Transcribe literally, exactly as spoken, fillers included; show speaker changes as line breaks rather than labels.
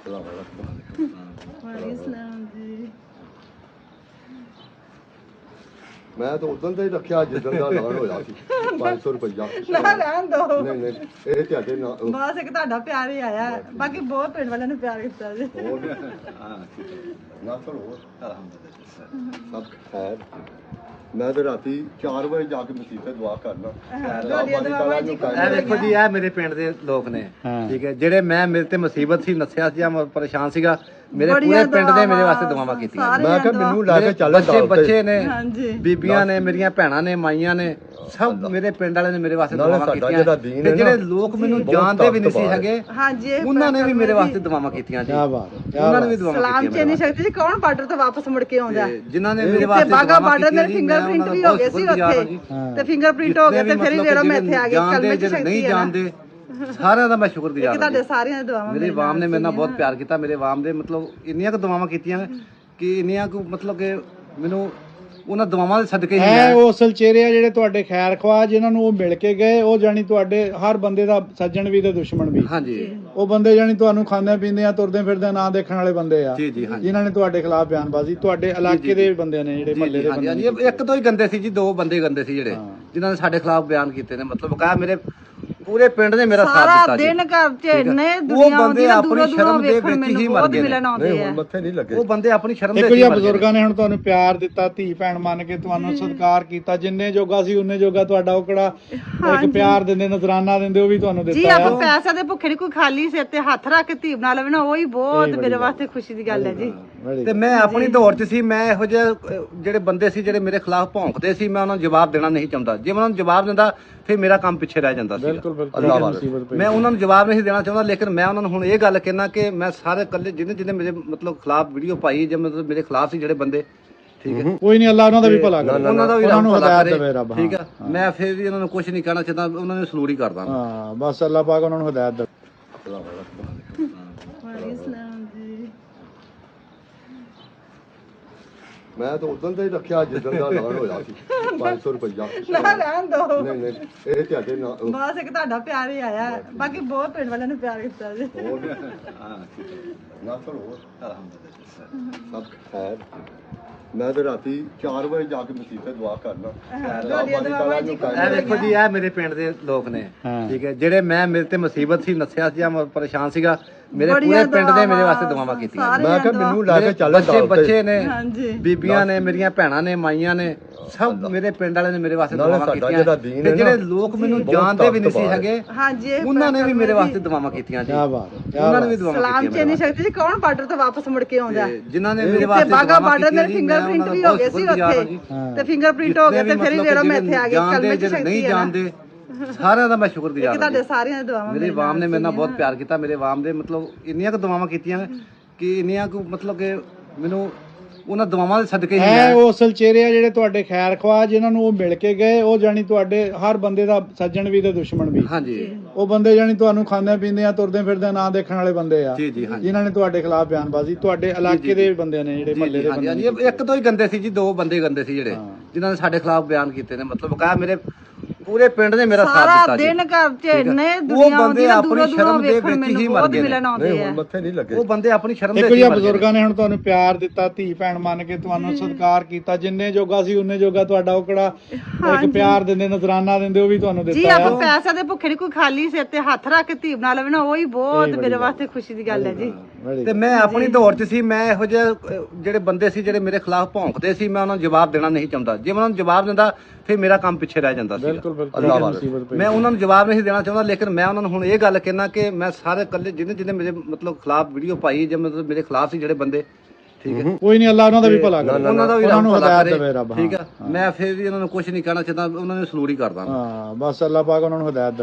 मैं तो उदन से ही रखा जिदन का ऐलान होया सी पाँच सौ रुपया
ना रहन दो
नहीं नहीं ਇਹ ਤੁਹਾਡੇ ਨਾਲ
ਬਸ ਇੱਕ ਤੁਹਾਡਾ ਪਿਆਰ ਹੀ ਆਇਆ ਬਾਕੀ ਬਹੁਤ ਪਿੰਡ ਵਾਲਿਆਂ ਨੇ ਪਿਆਰ ਕੀਤਾ ਜੀ
ਹਾਂ ਨਾ ਚਲੋ ਸਭ ਖੈਰ ਮੈਂ ਤੇ ਰਾਤੀ ਚਾਰ ਵਜੇ ਜਾ ਕੇ ਮਸੀਤ ਤੇ ਦੁਆ ਕਰਨਾ
ਇਹ ਦੇਖੋ ਜੀ ਇਹ ਮੇਰੇ ਪਿੰਡ ਦੇ ਲੋਕ ਨੇ ਠੀਕ ਹੈ ਜਿਹੜੇ ਮੈਂ ਮੇਰੇ ਤੇ ਮੁਸੀਬਤ ਸੀ ਨਸਿਆ ਸੀ ਜਾਂ ਮੈਂ ਪਰੇਸ਼ਾਨ ਸੀਗਾ ਮੇਰੇ ਪੂਰੇ ਪਿੰਡ ਨੇ ਮੇਰੇ ਵਾਸਤੇ ਦੁਆਵਾਂ ਕੀਤੀਆਂ
ਮੈਂ ਕਿਹਾ ਮੈਨੂੰ ਲੈ ਕੇ ਚੱਲ
ਬੱਚੇ ਬੱਚੇ ਨੇ
ਹਾਂਜੀ
ਬੀਬੀਆਂ ਨੇ ਮੇਰੀਆਂ ਭੈਣਾਂ ਨੇ ਮਾਈਆਂ ਨੇ ਸਭ ਮੇਰੇ ਪਿੰਡ ਵਾਲਿਆਂ ਨੇ ਮੇਰੇ ਵਾਸਤੇ ਦੁਆਵਾਂ ਕੀਤੀਆਂ ਤੇ ਜਿਹੜੇ ਲੋਕ ਮੈਨੂੰ ਜਾਣਦੇ ਵੀ ਨਹੀਂ ਸੀ ਹੈਗੇ
ਹਾਂਜੀ
ਉਹਨਾਂ ਨੇ ਵੀ ਮੇਰੇ ਵਾਸਤੇ ਦੁਆਵਾਂ ਕੀਤੀਆਂ ਜੀ
ਕੀ ਬਾਤ
ਉਹਨਾਂ ਨੇ ਵੀ ਦੁਆਵਾਂ
ਸਲਾਮ
ਕੀਤੀਆਂ
ਚੇਨੀ ਸ਼ਕਤੀ ਜੀ ਕੌਣ ਬਾਰਡਰ ਤੋਂ ਵਾਪਸ ਮੁੜ ਕੇ ਆਉਂਦਾ
ਜਿਨ੍ਹਾਂ ਨੇ ਮੇਰੇ ਵਾਸਤੇ
ਬਾਗਾ ਬਾਰਡਰ ਮੇਰੇ ਫਿੰਗਰਪ੍ਰਿੰਟ ਵੀ ਹੋ ਗਏ ਸੀ ਉੱਥੇ ਤੇ ਫਿੰਗਰਪ੍ਰਿੰਟ ਹੋ ਗਏ ਤੇ ਫਿਰ ਵੀ ਜਿਹੜਾ ਮੈਂ ਇੱਥੇ ਆ ਗਈ ਕਲਮੇ ਚ ਸ਼ਕਤੀ
ਨਹੀਂ ਜਾਣਦੇ ਸਾਰਿਆਂ ਦਾ ਮੈਂ ਸ਼ੁਕਰਗੁਜ਼ਾਰ ਹਾਂ
ਤੁਹਾਡੇ ਸਾਰਿਆਂ ਦੀ ਦੁਆਵਾਂ
ਮੇਰੇ ਆਵਾਮ ਨੇ ਮੇਰੇ ਨਾਲ ਬਹੁਤ ਪਿਆਰ ਕੀਤਾ ਮੇਰੇ ਆਵਾਮ ਦੇ ਮਤਲਬ ਇੰਨੀਆਂ ਕੁ ਦੁਆਵਾਂ ਕੀਤੀਆਂ ਕਿ ਇੰਨੀਆਂ ਕੁ ਮਤਲਬ ਕਿ ਮੈਨੂੰ ਉਹਨਾਂ ਦੁਆਵਾਂ ਦੇ ਸਦਕੇ ਹੀ
ਹੈ ਉਹ ਅਸਲ ਚਿਹਰੇ ਆ ਜਿਹੜੇ ਤੁਹਾਡੇ ਖੈਰ ਖਵਾ ਜਿਨ੍ਹਾਂ ਨੂੰ ਉਹ ਮਿਲ ਕੇ ਗਏ ਉਹ ਜਾਨੀ ਤੁਹਾਡੇ ਹਰ ਬੰਦੇ ਦਾ ਸੱਜਣ ਵੀ ਤੇ ਦੁਸ਼ਮਣ ਵੀ
ਹਾਂਜੀ
ਉਹ ਬੰਦੇ ਜਾਨੀ ਤੁਹਾਨੂੰ ਖਾਂਦੇ ਪੀਂਦੇ ਆ ਤੁਰਦੇ ਫਿਰਦੇ ਨਾਂ ਦੇਖਣ ਵਾਲੇ ਬੰਦੇ ਆ
ਜੀ ਜੀ ਹਾਂਜੀ
ਜਿਨ੍ਹਾਂ ਨੇ ਤੁਹਾਡੇ ਖਿਲਾਫ ਬਿਆਨਬਾਜ਼ੀ ਤੁਹਾਡੇ ਇਲਾਕੇ ਦੇ ਬੰਦੇ ਨੇ ਜਿਹੜੇ ਮਹੱਲੇ ਦੇ
ਹਾਂਜੀ
ਬੰਦੇ
ਹਾਂਜੀ ਇੱਕ ਤੋਂ ਹੀ ਗੰਦੇ ਸੀ ਜੀ ਦੋ ਬੰਦੇ ਗੰਦੇ ਸੀ ਜਿਹੜੇ ਜਿਨ੍ਹਾਂ ਨੇ ਸਾਡੇ ਖਿਲਾਫ ਬਿਆਨ ਕੀਤੇ ਨੇ ਮਤਲਬ ਕਹਾ ਮੇਰੇ ਪੂਰੇ ਪਿੰਡ ਨੇ ਮੇਰਾ ਸਾਥ
ਸਾਰਾ
ਦਿੱਤਾ ਜੀ
ਦਿਨ ਘਰ ਚ ਇੰਨੇ
ਉਹ
ਦੁਨੀਆ
ਬੰਦੇ
ਆਉਂਦੀ
ਆਪਣੀ ਸ਼ਰਮ ਦੇ ਵਿੱਚ ਹੀ ਮਰ ਗਏ
ਮਿਲਣ ਆਉਂਦੇ
ਨਹੀਂ
ਆ
ਹੁਣ ਮੱਥੇ ਨਹੀਂ ਲੱਗੇ
ਉਹ ਬੰਦੇ ਆਪਣੀ ਸ਼ਰਮ ਦੇ
ਦੇਖੋ
ਵਿੱਚ
ਜੀ
ਹੀ ਮਰ ਗਏ
ਬਜ਼ੁਰਗਾਂ ਨੇ ਹੁਣ ਤੁਹਾਨੂੰ ਪਿਆਰ ਦਿੱਤਾ ਧੀ ਭੈਣ ਮੰਨ ਕੇ ਤੁਹਾਨੂੰ ਸਤਿਕਾਰ ਕੀਤਾ ਜਿੰਨੇ ਜੋਗਾ ਸੀ ਉਹਨੇ ਜੋਗਾ ਤੁਹਾਡਾ ਉਹ ਕਿਹੜਾ ਇੱਕ ਪਿਆਰ ਦਿੰਦੇ ਨਜ਼ਰਾਨਾ ਦਿੰਦੇ ਉਹ ਵੀ ਤੁਹਾਨੂੰ
ਜੀ
ਦਿੱਤਾ
ਆਪਾਂ ਪੈਸਾ ਦੇ ਭੁੱਖੇ ਨਹੀਂ ਕੋਈ ਖਾਲੀ ਸਿਰ ਤੇ ਹੱਥ ਰੱਖ ਕੇ ਧੀ ਬਣਾ ਲਵੇ ਨਾ ਉਹੀ ਬਹੁਤ ਮੇਰੇ ਵਾਸਤੇ ਖੁਸ਼ੀ ਦੀ ਗੱਲ ਹੈ ਜੀ
ਤੇ ਮੈਂ ਆਪਣੀ ਦੌਰ 'ਚ ਸੀ ਮੈਂ ਇਹੋ ਜਿਹੇ ਅਹ, ਜਿਹੜੇ ਬੰਦੇ ਸੀ ਜਿਹੜੇ ਮੇਰੇ ਖਿਲਾਫ ਭੌਂਕਦੇ ਸੀ ਮੈਂ ਉਹਨਾਂ ਨੂੰ ਜਵਾਬ ਦੇਣਾ ਨਹੀਂ ਚਾਹੁੰਦਾ ਜੇ ਮੈਂ ਉਹਨਾਂ ਨੂੰ ਜਵਾਬ ਦਿੰਦਾ ਫਿਰ ਮੇਰਾ ਕੰਮ ਪਿੱਛੇ ਰਹਿ ਜਾਂਦਾ ਸੀ
ਬਿਲਕੁਲ ਬਿਲਕੁਲ
ਅੱਲਾਹ
ਮੁਸੀਬਤ ਪਈ
ਮੈਂ ਉਹਨਾਂ ਨੂੰ ਜਵਾਬ ਨਹੀਂ ਦੇਣਾ ਚਾਹੁੰਦਾ ਲੇਕਿਨ ਮੈਂ ਉਹਨਾਂ ਨੂੰ ਹੁਣ ਇਹ ਗੱਲ ਕਹਿਣਾ ਕਿ ਮੈਂ ਸਾਰੇ ਇਕੱਲੇ ਜਿਹਨੇ ਜਿਹਨੇ ਮੇਰੇ ਮਤਲਬ ਖਿਲਾਫ ਵੀਡੀਓ ਪਾਈ ਜਾਂ ਮਤਲਬ ਮੇਰੇ ਖਿਲਾਫ ਸੀ ਜਿਹੜੇ ਬੰਦੇ ਠੀਕ ਹੈ
ਕੋਈ ਨਹੀਂ ਅੱਲਾਹ ਉਹਨਾਂ ਦਾ ਵੀ ਭਲਾ ਕਰੇ
ਉਹਨਾਂ ਦਾ ਵੀ
ਉਹਨਾਂ
ਰੱਬ
ਨੂੰ
ਭਲਾ
ਹਦਾਇਤ
ਕਰੇ
ਦੇਵੇ ਰੱਬ
ਠੀਕ ਹੈ ਮੈਂ ਫਿਰ ਵੀ ਉਹਨਾਂ ਨੂੰ ਕੁਝ ਨਹੀਂ ਕਹਿਣਾ ਚਾਹੁੰਦਾ ਉਹਨਾਂ ਨੂੰ ਸਲੂਟ ਹੀ ਕਰਦਾ
ਹਾਂ ਬਸ ਅੱਲਾਹ ਪਾਕ ਉਹਨਾਂ ਨੂੰ ਹਦਾਇਤ ਦੇ
ਮੈਂ ਤਾਂ ਉਦਨ ਤੇ ਹੀ ਰੱਖਿਆ ਜਿਦਨ ਦਾ ਐਲਾਨ ਹੋਇਆ ਸੀ ਪੰਜ ਸੌ ਰੁਪਇਆ
ਨਾ ਰਹਿਣ ਦੋ
ਨਹੀਂ ਨਹੀਂ ਇਹ ਤੁਹਾਡੇ ਨਾਲ
ਬਸ ਇੱਕ ਤੁਹਾਡਾ ਪਿਆਰ ਹੀ ਆਇਆ ਬਾਕੀ ਬਹੁਤ ਪਿੰਡ ਵਾਲਿਆਂ ਨੇ ਪਿਆਰ ਕੀਤਾ ਜੀ
ਨਾ ਚਲੋ ਸਭ ਖੈਰ ਮੈਂ ਤੇ ਰਾਤੀ ਚਾਰ ਵਜੇ ਜਾ ਕੇ ਮਸੀਤ ਤੇ ਦੁਆ ਕਰਨਾ
ਇਹ ਦੇਖੋ ਜੀ ਇਹ ਮੇਰੇ ਪਿੰਡ ਦੇ ਲੋਕ ਨੇ ਠੀਕ ਹੈ ਜਿਹੜੇ ਮੈਂ ਮੇਰੇ ਤੇ ਮੁਸੀਬਤ ਸੀ ਨਸਿਆ ਸੀ ਜਾਂ ਮੈਂ ਪਰੇਸ਼ਾਨ ਸੀਗਾ ਮੇਰੇ ਪੂਰੇ ਪਿੰਡ ਨੇ ਮੇਰੇ ਵਾਸਤੇ ਦੁਆਵਾਂ ਕੀਤੀਆਂ
ਮੈਂ ਕਿਹਾ ਮੈਨੂੰ ਲੈ ਕੇ ਚੱਲ
ਬੱਚੇ ਬੱਚੇ ਨੇ
ਹਾਂਜੀ
ਬੀਬੀਆਂ ਨੇ ਮੇਰੀਆਂ ਭੈਣਾਂ ਨੇ ਮਾਈਆਂ ਨੇ ਸਭ ਮੇਰੇ ਪਿੰਡ ਵਾਲਿਆਂ ਨੇ ਮੇਰੇ ਵਾਸਤੇ
ਨਾਲੇ
ਦੁਆਵਾਂ
ਸਾਡਾ
ਕੀਤੀਆਂ
ਜਿਹੜਾ ਦੀਨ
ਤੇ
ਹੈ
ਜਿਹੜੇ
ਨਾ,
ਲੋਕ ਮੈਨੂੰ
ਬਹੁਤ
ਜਾਣਦੇ ਵੀ ਨਹੀਂ ਸੀ
ਤਾਕਤਵਰ
ਹੈਗੇ
ਹਾਂਜੀ ਇਹ
ਉਹਨਾਂ ਨੇ ਵੀ ਮੇਰੇ ਵਾਸਤੇ ਦੁਆਵਾਂ ਕੀਤੀਆਂ ਜੀ
ਕੀ ਬਾਤ ਹੈ
ਉਹਨਾਂ ਨੇ ਵੀ ਦੁਆਵਾਂ
ਸਲਾਮ
ਕੀਤੀਆਂ
ਚੇਨੀ ਸ਼ਕਤੀ ਜੀ ਕੌਣ ਬਾਰਡਰ ਤੋਂ ਵਾਪਸ ਮੁੜ ਕੇ ਆਉਂਦਾ
ਤੇ ਜਿਨ੍ਹਾਂ ਨੇ ਮੇਰੇ
ਤੇ
ਵਾਸਤੇ
ਬਾਗਾ
ਦੁਆਵਾਂ
ਬਾਰਡਰ
ਕੀਤੀਆਂ
ਮੇਰੇ
ਜੀ, ਮੈਂ
ਫਿੰਗਰਪ੍ਰਿੰਟ
ਉਹਨਾਂ
ਵੀ
ਦਾ
ਹੋ ਗਏ ਸੀ
ਬਹੁਤ ਸ਼ੁਕਰਗੁਜ਼ਾਰ
ਉੱਥੇ ਤੇ ਫਿੰਗਰਪ੍ਰਿੰਟ ਹੋ ਗਏ ਤੇ ਫਿਰ ਵੀ ਜਿਹੜਾ ਮੈਂ ਇੱਥੇ ਆ ਗਈ ਕਲਮੇ ਚ ਸ਼ਕਤੀ
ਨਹੀਂ
ਹੈ
ਜਾਣਦੇ ਸਾਰਿਆਂ ਦਾ ਮੈਂ ਸ਼ੁਕਰਗੁਜ਼ਾਰ ਹਾਂ
ਤੁਹਾਡੇ ਸਾਰਿਆਂ ਦੀ ਦੁਆਵਾਂ
ਮੇਰੇ ਆਵਾਮ ਨੇ ਮੇਰੇ ਨਾਲ ਬਹੁਤ ਪਿਆਰ ਕੀਤਾ ਮੇਰੇ ਆਵਾਮ ਦੇ ਮਤਲਬ ਇੰਨੀਆਂ ਕੁ ਦੁਆਵਾਂ ਕੀਤੀਆਂ ਕਿ ਇੰਨੀਆਂ ਕੁ ਮਤਲਬ ਕਿ ਮੈਨੂੰ ਉਹਨਾਂ ਦੁਆਵਾਂ ਦੇ ਸਦਕੇ ਹੀ
ਹੈ ਉਹ ਅਸਲ ਚਿਹਰੇ ਆ ਜਿਹੜੇ ਤੁਹਾਡੇ ਖੈਰ ਖਵਾ ਜਿਨ੍ਹਾਂ ਨੂੰ ਉਹ ਮਿਲ ਕੇ ਗਏ ਉਹ ਜਾਨੀ ਤੁਹਾਡੇ ਹਰ ਬੰਦੇ ਦਾ ਸੱਜਣ ਵੀ ਤੇ ਦੁਸ਼ਮਣ ਵੀ
ਹਾਂਜੀ
ਉਹ ਬੰਦੇ ਜਾਨੀ ਤੁਹਾਨੂੰ ਖਾਂਦੇ ਪੀਂਦੇ ਆ ਤੁਰਦੇ ਫਿਰਦੇ ਨਾਂ ਦੇਖਣ ਵਾਲੇ ਬੰਦੇ ਆ
ਜੀ ਜੀ ਹਾਂਜੀ
ਜਿਨ੍ਹਾਂ ਨੇ ਤੁਹਾਡੇ ਖਿਲਾਫ ਬਿਆਨਬਾਜ਼ੀ ਤੁਹਾਡੇ ਇਲਾਕੇ ਦੇ ਬੰਦੇ ਨੇ ਜਿਹੜੇ ਮਹੱਲੇ ਦੇ
ਹਾਂਜੀ
ਬੰਦੇ
ਹਾਂਜੀ ਇੱਕ ਤੋਂ ਹੀ ਗੰਦੇ ਸੀ ਜੀ ਦੋ ਬੰਦੇ ਗੰਦੇ ਸੀ ਜਿਹੜੇ ਜਿਨ੍ਹਾਂ ਨੇ ਸਾਡੇ ਖਿਲਾਫ ਬਿਆਨ ਕੀਤੇ ਨੇ ਮਤਲਬ ਕਹਾ ਮੇਰੇ ਪੂਰੇ ਪਿੰਡ ਨੇ ਮੇਰਾ ਸਾਥ
ਸਾਰਾ
ਦਿੱਤਾ ਜੀ
ਦਿਨ ਘਰ ਚ ਇੰਨੇ
ਉਹ
ਦੁਨੀਆ ਆਉਂਦੀ
ਬੰਦੇ
ਆ
ਆਪਣੀ
ਦੂਰੋਂ
ਸ਼ਰਮ
ਦੂਰੋਂ
ਦੇ
ਵੇਖਣ
ਵਿੱਚ ਹੀ
ਮੈਨੂੰ
ਮਰ
ਬਹੁਤ
ਗਏ ਨੇ।
ਮਿਲਣ
ਨਹੀਂ
ਆਉਂਦੇ
ਹੁਣ
ਆ
ਮੱਥੇ ਨਹੀਂ ਲੱਗੇ
ਉਹ ਬੰਦੇ ਆਪਣੀ ਸ਼ਰਮ ਦੇ
ਦੇਖੋ
ਵਿੱਚ
ਜੀ
ਹੀ ਮਰ ਗਏ
ਬਜ਼ੁਰਗਾਂ ਨੇ ਹੁਣ ਤੁਹਾਨੂੰ ਪਿਆਰ ਦਿੱਤਾ ਧੀ ਭੈਣ ਮੰਨ ਕੇ ਤੁਹਾਨੂੰ ਸਤਿਕਾਰ ਕੀਤਾ ਜਿੰਨੇ ਜੋਗਾ ਸੀ ਉਹਨੇ ਜੋਗਾ ਤੁਹਾਡਾ ਉਹ ਕਿਹੜਾ ਇੱਕ ਪਿਆਰ ਦਿੰਦੇ ਨਜ਼ਰਾਨਾ ਦਿੰਦੇ ਉਹ ਵੀ ਤੁਹਾਨੂੰ
ਜੀ
ਦਿੱਤਾ
ਆਪਾਂ ਪੈਸਾ ਦੇ ਭੁੱਖੇ ਨਹੀਂ ਕੋਈ ਖਾਲੀ ਸਿਰ ਤੇ ਹੱਥ ਰੱਖ ਕੇ ਧੀ ਬਣਾ ਲਵੇ ਨਾ ਉਹੀ ਬਹੁਤ ਮੇਰੇ ਵਾਸਤੇ ਖੁਸ਼ੀ ਦੀ ਗੱਲ ਹੈ ਜੀ
ਤੇ ਮੈਂ ਆਪਣੀ ਦੌਰ 'ਚ ਸੀ ਮੈਂ ਇਹੋ ਜਿਹੇ ਅਹ, ਜਿਹੜੇ ਬੰਦੇ ਸੀ ਜਿਹੜੇ ਮੇਰੇ ਖਿਲਾਫ ਭੌਂਕਦੇ ਸੀ ਮੈਂ ਉਹਨਾਂ ਨੂੰ ਜਵਾਬ ਦੇਣਾ ਨਹੀਂ ਚਾਹੁੰਦਾ ਜੇ ਮੈਂ ਉਹਨਾਂ ਨੂੰ ਜਵਾਬ ਦਿੰਦਾ ਫਿਰ ਮੇਰਾ ਕੰਮ ਪਿੱਛੇ ਰਹਿ ਜਾਂਦਾ ਸੀ
ਬਿਲਕੁਲ ਬਿਲਕੁਲ
ਅੱਲਾਹ
ਮੁਸੀਬਤ ਪਈ
ਮੈਂ ਉਹਨਾਂ ਨੂੰ ਜਵਾਬ ਨਹੀਂ ਦੇਣਾ ਚਾਹੁੰਦਾ ਲੇਕਿਨ ਮੈਂ ਉਹਨਾਂ ਨੂੰ ਹੁਣ ਇਹ ਗੱਲ ਕਹਿਣਾ ਕਿ ਮੈਂ ਸਾਰੇ ਇਕੱਲੇ ਜਿਹਨੇ ਜਿਹਨੇ ਮੇਰੇ ਮਤਲਬ ਖਿਲਾਫ ਵੀਡੀਓ ਪਾਈ ਜਾਂ ਮਤਲਬ ਮੇਰੇ ਖਿਲਾਫ ਸੀ ਜਿਹੜੇ ਬੰਦੇ ਠੀਕ ਹੈ
ਕੋਈ ਨਹੀਂ ਅੱਲਾਹ ਉਹਨਾਂ ਦਾ ਵੀ ਭਲਾ ਕਰੇ
ਉਹਨਾਂ ਦਾ ਵੀ
ਉਹਨਾਂ
ਰੱਬ
ਨੂੰ
ਭਲਾ
ਹਦਾਇਤ
ਕਰੇ
ਦੇਵੇ ਰੱਬ
ਠੀਕ ਹੈ ਮੈਂ ਫਿਰ ਵੀ ਉਹਨਾਂ ਨੂੰ ਕੁਝ ਨਹੀਂ ਕਹਿਣਾ ਚਾਹੁੰਦਾ ਉਹਨਾਂ ਨੂੰ ਸਲੂਟ ਹੀ ਕਰਦਾ
ਹਾਂ ਬਸ ਅੱਲਾਹ ਪਾਕ ਉਹਨਾਂ ਨੂੰ ਹਦਾਇਤ